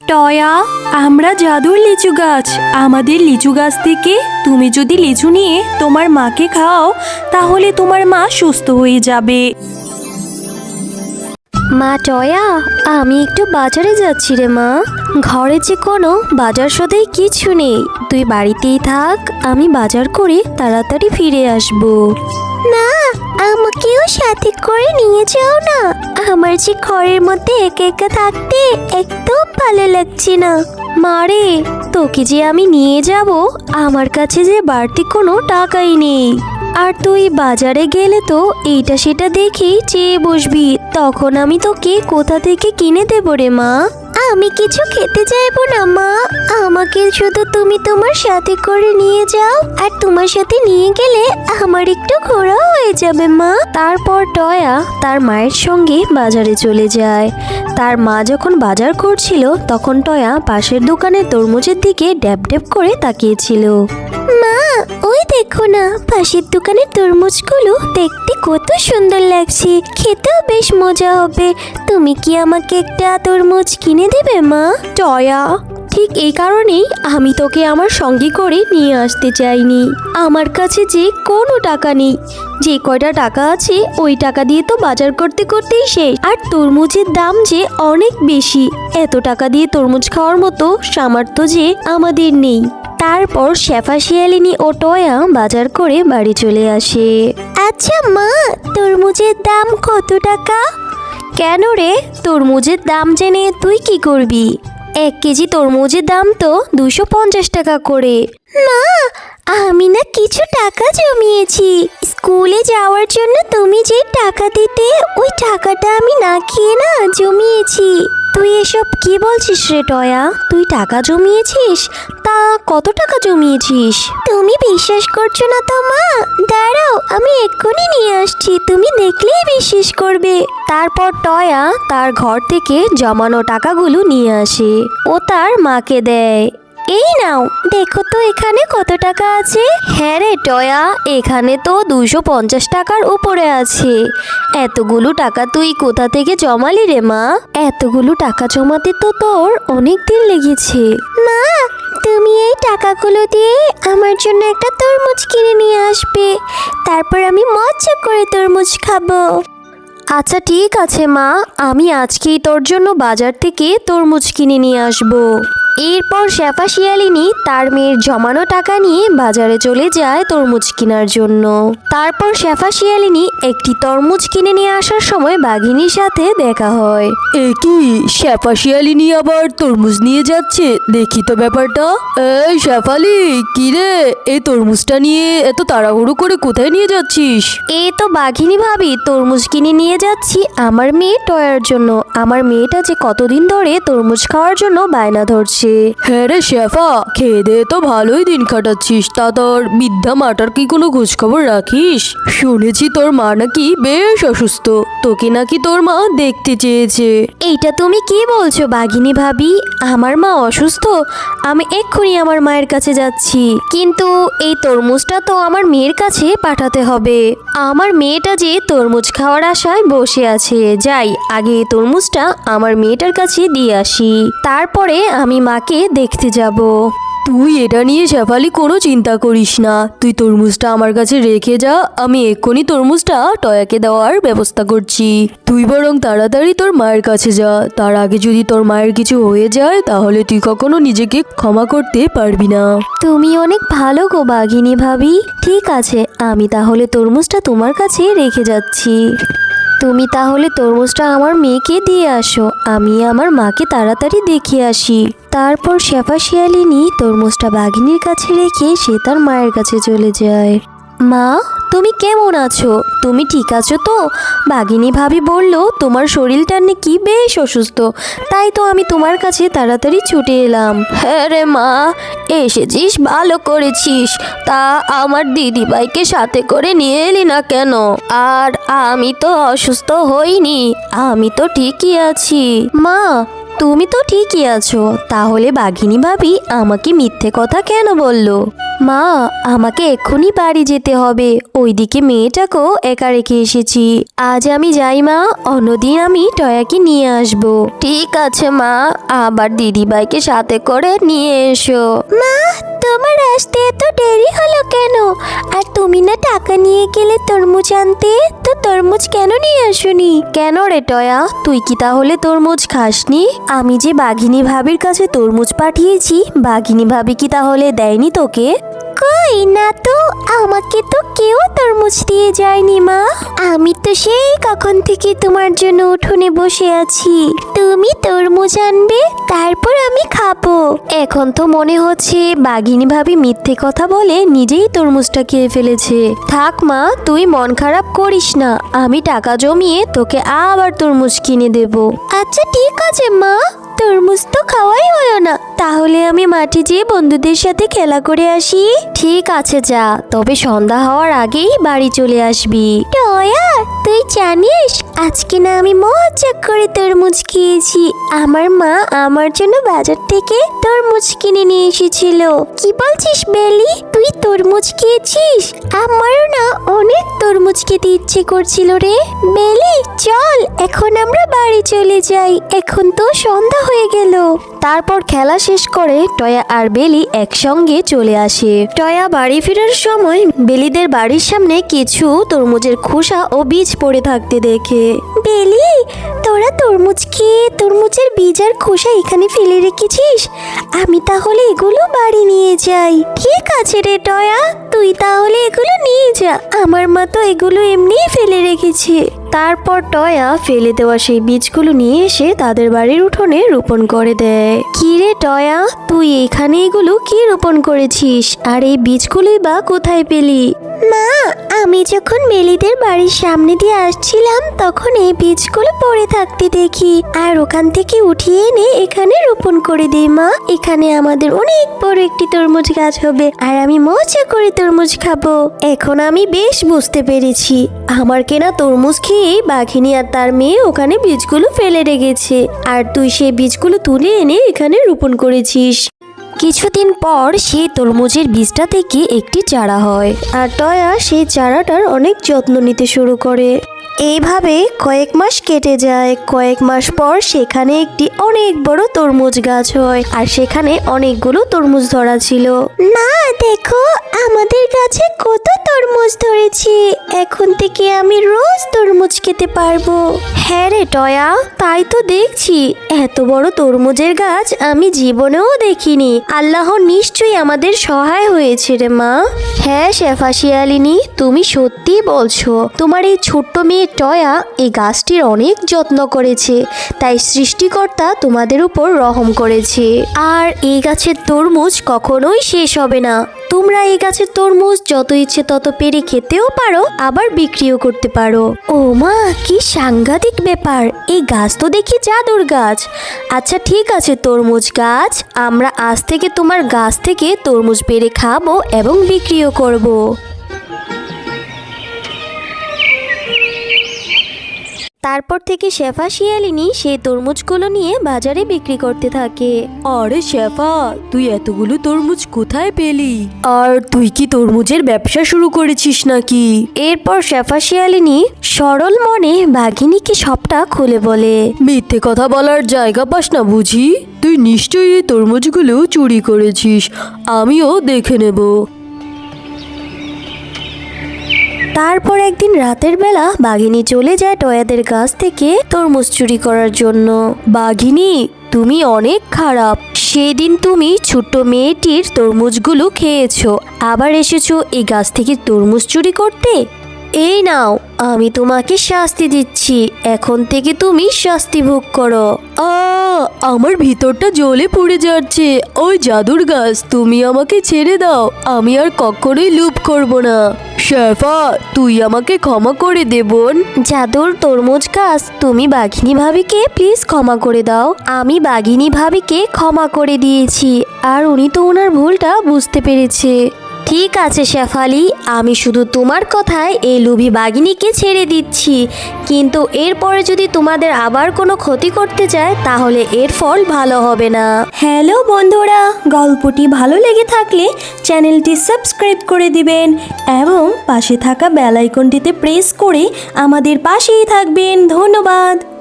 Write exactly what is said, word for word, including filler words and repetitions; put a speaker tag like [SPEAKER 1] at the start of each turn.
[SPEAKER 1] টয়া, আমরা জাদুর লিচু গাছ। আমাদের লিচু গাছ থেকে তুমি যদি লিচু নিয়ে তোমার মাকে খাও তাহলে তোমার মা সুস্থ হয়ে যাবে।
[SPEAKER 2] মা টয়া, আমি একটু বাজারে যাচ্ছি রে মা। ঘরে যে কোনো বাজার সদাই কিছু নেই, তুই বাড়িতেই থাক, আমি বাজার করে তাড়াতাড়ি ফিরে আসব। না, আমাকেও সাথে করে নিয়ে যাও না। আমার যে ঘরের মধ্যে একা একা থাকতে একদম ভালো লাগছে না। মারে, তোকে যে আমি নিয়ে যাব, আমার কাছে যে বাড়তি কোনো টাকাই নেই। আর তুই বাজারে গেলে তো এইটা সেটা দেখেই চেয়ে বসবি, তখন আমি তোকে কোথা থেকে কিনে দেবো রে মা? আমি কিছু খেতে চাইবো না মা, আমাকে শুধু তুমি তোমার সাথে করে নিয়ে যাও, আর তোমার সাথে নিয়ে গেলে আমার একটু ঘোরাও হয়ে যাবে মা। তারপর টয়া তার মায়ের সঙ্গে বাজারে চলে যায়। তার মা যখন বাজার করছিল তখন টয়া পাশের দোকানের তরমুজের দিকে ড্যাব ড্যাব করে তাকিয়েছিল। মা, ওই দেখো না, পাশের দোকানের তরমুজগুলো দেখতে কত সুন্দর লাগছে, খেতেও বেশ মজা হবে। তুমি কি আমাকে একটা তরমুজ কিনে দেবে মা?
[SPEAKER 1] টয়া, ঠিক এই কারণেই আমি তোকে আমার সঙ্গে করে নিয়ে আসতে চাইনি। আমার কাছে যে কোনো টাকা নেই, যে কয়টা টাকা আছে ওই টাকা দিয়ে তো বাজার করতে করতেই শেষ। আর তরমুজের দাম যে অনেক বেশি, এত টাকা দিয়ে তরমুজ খাওয়ার মতো সামর্থ্য যে আমাদের নেই। তারপর শেফা শিয়ালিনী ও টয়া বাজার করে বাড়ি চলে আসে।
[SPEAKER 2] আচ্ছা মা, তরমুজের দাম কত টাকা?
[SPEAKER 1] কেন রে, তরমুজের দাম জেনে তুই কি করবি? এক কেজি তরমুজের দাম তো দুশো পঞ্চাশ টাকা করে।
[SPEAKER 2] মা, আমি না কিছু টাকা জমিয়েছি স্কুলে যাওয়ার জন্য। তুমি যে টাকা দিতে, ওই টাকাটা আমি না খেয়ে না জমিয়েছি।
[SPEAKER 1] তুই এসব কি বলছিস রে টয়া? তুই টাকা জমিয়েছিস? তা কত টাকা জমিয়েছিস?
[SPEAKER 2] তুমি বিশ্বাস করছো না তো মা? দাঁড়াও, আমি এক্ষুনি নিয়ে আসছি, তুমি দেখলেই বিশ্বাস করবে।
[SPEAKER 1] তারপর টয়া তার ঘর থেকে জমানো টাকাগুলো নিয়ে আসে ও তার মাকে দেয়। এই নাও, দেখো তো এখানে কত টাকা আছে। হ্যাঁ রে টয়া, এখানে তো দুশো পঞ্চাশ টাকার উপরে আছে। এতগুলো টাকা তুই কোথা থেকে জমালি রে মা? এতগুলো টাকা জমাতে তো তোর অনেক দিন লেগেছে।
[SPEAKER 2] মা, তুমি এই টাকাগুলো দিয়ে আমার জন্য একটা তরমুজ কিনে নিয়ে আসবে, তারপর আমি মজা করে তরমুজ খাবো।
[SPEAKER 1] আচ্ছা ঠিক আছে মা, আমি আজকেই তোর জন্য বাজার থেকে তরমুজ কিনে নিয়ে আসবো। এরপর শেফা শিয়ালিনী তার মেয়ের জমানো টাকা নিয়ে বাজারে চলে যায় তরমুজ কেনার জন্য। তারপর শেফা শিয়ালিনী একটি তরমুজ কিনে নিয়ে আসার সময় বাঘিনীর সাথে দেখা হয়।
[SPEAKER 3] এ কি, শেফা শিয়ালিনী আবার তরমুজ নিয়ে যাচ্ছে? দেখি তো ব্যাপারটা। এই শেফালি, কি রে, এই তরমুজটা নিয়ে এত তাড়াহুড়ো করে কোথায় নিয়ে যাচ্ছিস?
[SPEAKER 1] এই তো বাঘিনী ভাবি, তরমুজ কিনে নিয়ে যাচ্ছি আমার মেয়ে টয়ার জন্য। আমার মেয়েটা যে কতদিন ধরে তরমুজ খাওয়ার জন্য বায়না ধরছে।
[SPEAKER 3] হ্যাঁ রে শেফা, খেয়ে দে তো ভালোই দিন কাটাচ্ছিস, তা তোর বৃদ্ধা মাটার কি কোনো খোঁজ খবর রাখিস? শুনেছি তোর মা নাকি বেশ অসুস্থ, তোকে নাকি তোর মা দেখতে চেয়েছে।
[SPEAKER 1] এইটা তুমি কি বলছো বাঘিনী ভাবি? আমার মা অসুস্থ? আমি এক্ষুনি আমার মায়ের কাছে যাচ্ছি, কিন্তু এই তরমুজটা তো আমার মেয়ের কাছে পাঠাতে হবে। আমার মেয়েটা যে তরমুজ খাওয়ার আশায় বসে আছে। যাই, আগে এই তরমুজটা আমার মেয়েটার কাছে দিয়ে আসি, তারপরে আমি মাকে দেখতে যাব।
[SPEAKER 3] তুই এটা নিয়ে শেফালি কোনো চিন্তা করিস না, তুই তরমুজটা আমার কাছে রেখে যা, আমি এক্ষুনি তরমুজটা টয়াকে দেওয়ার ব্যবস্থা করছি। তুই বরং তাড়াতাড়ি তোর মায়ের কাছে যা, তার আগে যদি তোর মায়ের কিছু হয়ে যায় তাহলে তুই কখনো নিজেকে ক্ষমা করতে পারবি না।
[SPEAKER 1] তুমি অনেক ভালো গো বাঘিনী ভাবি। ঠিক আছে, আমি তাহলে তরমুজটা তোমার কাছে রেখে যাচ্ছি। তুমি তাহলে তরমুজটা আমার মেয়েকে দিয়ে আসো, আমি আমার মাকে তাড়াতাড়ি দেখে আসি। তারপর শেফা শিয়ালিনী তরমুজটা বাঘিনীর কাছে রেখে সে তার মায়ের কাছে চলে যায়। মা, তুমি কেমন আছো? তুমি ঠিক আছো তো? বাঘিনী ভাবি বলল তোমার শরীরটা নাকি বেশ অসুস্থ, তাই তো আমি তোমার কাছে তাড়াতাড়ি ছুটে এলাম। হ্যাঁ রে মা, এসেছিস, ভালো করেছিস। তা আমার দিদিভাইকে সাথে করে নিয়ে এলি না কেন? আর আমি তো অসুস্থ হইনি, আমি তো ঠিকই আছি। মা, তুমি তো ঠিকই আছো, তাহলে বাঘিনী ভাবি আমাকে মিথ্যে কথা কেন বললো? মা, আমাকে এক্ষুনি বাড়ি যেতে হবে, ওইদিকে মেয়েটাকেও একা রেখে এসেছি। আজ আমি যাই মা, অন্যদিন আমি টয়াকে নিয়ে আসব। ঠিক আছে মা, আবার দিদিভাইকে সাথে করে নিয়ে এসো।
[SPEAKER 2] মা, তোমার আসতে এত দেরি হলো কেন? আর তুমি না টাকা নিয়ে গেলে তরমুজ আনতে, তো তরমুজ কেন নিয়ে আসোনি?
[SPEAKER 1] কেন রে টয়া, তুই কি তাহলে তরমুজ খাসনি? আমি যে বাঘিনী ভাবির কাছে তরমুজ পাঠিয়েছি, বাঘিনী ভাবি কি তাহলে দেয়নি তোকে?
[SPEAKER 2] কই না তো, আমাকে তো কেউ তরমুজ দিয়ে যায়নি মা। আমি তো সেই কখন থেকে তোমার জন্য উঠোনে বসে আছি। তুমি তরমুজ আনবে, তারপর আমি খাবো।
[SPEAKER 1] এখন তো মনে হচ্ছে বাঘিনী ভাবি মিথ্যে কথা বলে নিজেই তরমুজটা খেয়ে ফেলেছে। থাক মা, তুই মন খারাপ করিস না, আমি টাকা জমিয়ে তোকে আবার তরমুজ কিনে দেব।
[SPEAKER 2] আচ্ছা ঠিক আছে মা, তরমুজ তো খাওয়াই হলো না, তাহলে আমি মাঠে যেয়ে বন্ধুদের সাথে খেলা করে আসি।
[SPEAKER 1] ঠিক আছে যা, তবে সন্ধ্যা হওয়ার আগেই বাড়ি চলে আসবি।
[SPEAKER 2] টয়া, তুই জানিস আজকে না আমি মজা করে তরমুজ খেয়েছি। আমার মা আমার জন্য বাজার থেকে তরমুজ কিনে নিয়ে এসেছিল। কি বলছিস বেলি, তুই তরমুজ খেয়েছিস? আমারও না অনেক তরমুজ খেতে ইচ্ছে করছিল রে। বেলি চল, এখন আমরা বাড়ি চলে যাই, এখন তো সন্ধ্যা হয়ে গেল।
[SPEAKER 1] তারপর খেলা শেষ করে টয়া আর বেলি একসঙ্গে চলে আসে। টয়া বাড়ি ফেরার সময় বেলিদের বাড়ির সামনে কিছু তরমুজের খোসা ও বীজ পড়ে থাকতে দেখে।
[SPEAKER 2] বেলি, তোরা তরমুজ খেয়ে তরমুজের বীজ আর খোসা এখানে ফেলে রেখেছিস, আমি তাহলে এগুলো বাড়ি নিয়ে যাই। ঠিক আছে রে টয়া, তুই তাহলে এগুলো নিয়ে যা, আমার মা তো এগুলো এমনিই ফেলে রেখেছে।
[SPEAKER 1] তারপর টয়া ফেলে দেওয়া সেই বীজগুলো নিয়ে এসে তাদের বাড়ির উঠোনে রোপণ করে দেয়। কি রে টয়া, তুই এখানে এগুলো কি রোপণ করেছিস, আর এই বীজগুলোই বা কোথায় পেলি?
[SPEAKER 2] মা, আমি যখন বেলিদের বাড়ির সামনে দিয়ে আসছিলাম তখন এই বীজগুলো পড়ে থাকতে দেখি, আর ওখান থেকে উঠিয়ে এনে এখানে রোপণ করে দিই। মা, এখানে আমাদের অনেক বড় একটি তরমুজ গাছ হবে, আর আমি মজা করে তরমুজ খাবো।
[SPEAKER 1] এখন আমি বেশ বুঝতে পেরেছি, আমার কেনা তরমুজ খেয়ে বাঘিনী আর তার মেয়ে ওখানে বীজগুলো ফেলে রেখেছে, আর তুই সেই বীজগুলো তুলে এনে এখানে রোপণ করেছিস। কিছুদিন পর সেই তরমুজের বীজটা থেকে একটি চারা হয়, আর টয়া সেই চারাটার অনেক যত্ন নিতে শুরু করে। এইভাবে কয়েক মাস কেটে যায়। কয়েক মাস পর সেখানে একটি অনেক বড় তরমুজ গাছ হয়, আর সেখানে অনেকগুলো তরমুজ ধরা ছিল।
[SPEAKER 2] মা দেখো, আমাদের গাছে কত তরমুজ ধরেছে, এখন থেকে আমি রোজ তরমুজ খেতে পারবো।
[SPEAKER 1] হ্যাঁ রে টয়া, তাই তো দেখছি, এত বড় তরমুজের গাছ আমি জীবনেও দেখিনি। আল্লাহ নিশ্চয়ই আমাদের সহায় হয়েছে রে মা। হ্যাঁ শেফা শিয়ালিনী, তুমি সত্যি বলছো, তোমার এই ছোট্ট মেয়ে টয়া এই গাছটির অনেক যত্ন করেছে, তাই সৃষ্টিকর্তা তোমাদের উপর রহম করেছে। আর এই গাছের তরমুজ কখনোই শেষ হবে না। তোমরা এই গাছের তরমুজ যত ইচ্ছে তত পেরে খেতেও পারো, আবার বিক্রিও করতে পারো। ও মা, কি সাংঘাতিক ব্যাপার, এই গাছ তো দেখি জাদুর গাছ। আচ্ছা ঠিক আছে তরমুজ গাছ, আমরা আজ থেকে তোমার গাছ থেকে তরমুজ পেরে খাবো এবং বিক্রিও করব। তারপর থেকে শেফা শিয়ালিনী সেই তরমুজগুলো নিয়ে বাজারে বিক্রি করতে থাকে।
[SPEAKER 3] আরে শেফা, তুই এতগুলো তরমুজ কোথায় পেলি? আর তুই কি তরমুজের ব্যবসা শুরু করেছিস নাকি?
[SPEAKER 1] এরপর শেফা শিয়ালিনী সরল মনে বাঘিনীকে সবটা খুলে বলে।
[SPEAKER 3] মিথ্যে কথা বলার জায়গা পাস না বুঝি? তুই নিশ্চয়ই এই তরমুজগুলো চুরি করেছিস, আমিও দেখে নেব।
[SPEAKER 1] তারপর একদিন রাতের বেলা বাঘিনী চলে যায় টয়াদের গাছ থেকে তরমুজ চুরি করার জন্য। বাঘিনী, তুমি অনেক খারাপ, সেদিন তুমি ছোট্ট মেয়েটির তরমুজগুলো খেয়েছো, আবার এসেছো এই গাছ থেকে তরমুজ চুরি করতে। এই নাও, আমি তোমাকে শাস্তি দিচ্ছি, এখন থেকে তুমি শাস্তি ভোগ করো।
[SPEAKER 3] আ আমার ভিতরটা জ্বলে পড়ে যাচ্ছে। ওই জাদুর গাছ, তুমি আমাকে ছেড়ে দাও, আমি আর কখনোই লুপ করব না। শেফা, তুই আমাকে ক্ষমা করে দে বোন।
[SPEAKER 1] জাদুর তরমুজ গাছ, তুমি বাঘিনী ভাবিকে প্লিজ ক্ষমা করে দাও। আমি বাঘিনী ভাবিকে ক্ষমা করে দিয়েছি, আর উনি তো ওনার ভুলটা বুঝতে পেরেছে। ঠিক আছে শেফালি, আমি শুধু তোমার কথায় এই লোভী বাঘিনীকে ছেড়ে দিচ্ছি, কিন্তু এরপরে যদি তোমাদের আবার কোনো ক্ষতি করতে চায় তাহলে এর ফল ভালো হবে না।
[SPEAKER 2] হ্যালো বন্ধুরা, গল্পটি ভালো লেগে থাকলে চ্যানেলটি সাবস্ক্রাইব করে দিবেন এবং পাশে থাকা বেল আইকনটিতে প্রেস করে আমাদের পাশেই থাকবেন। ধন্যবাদ।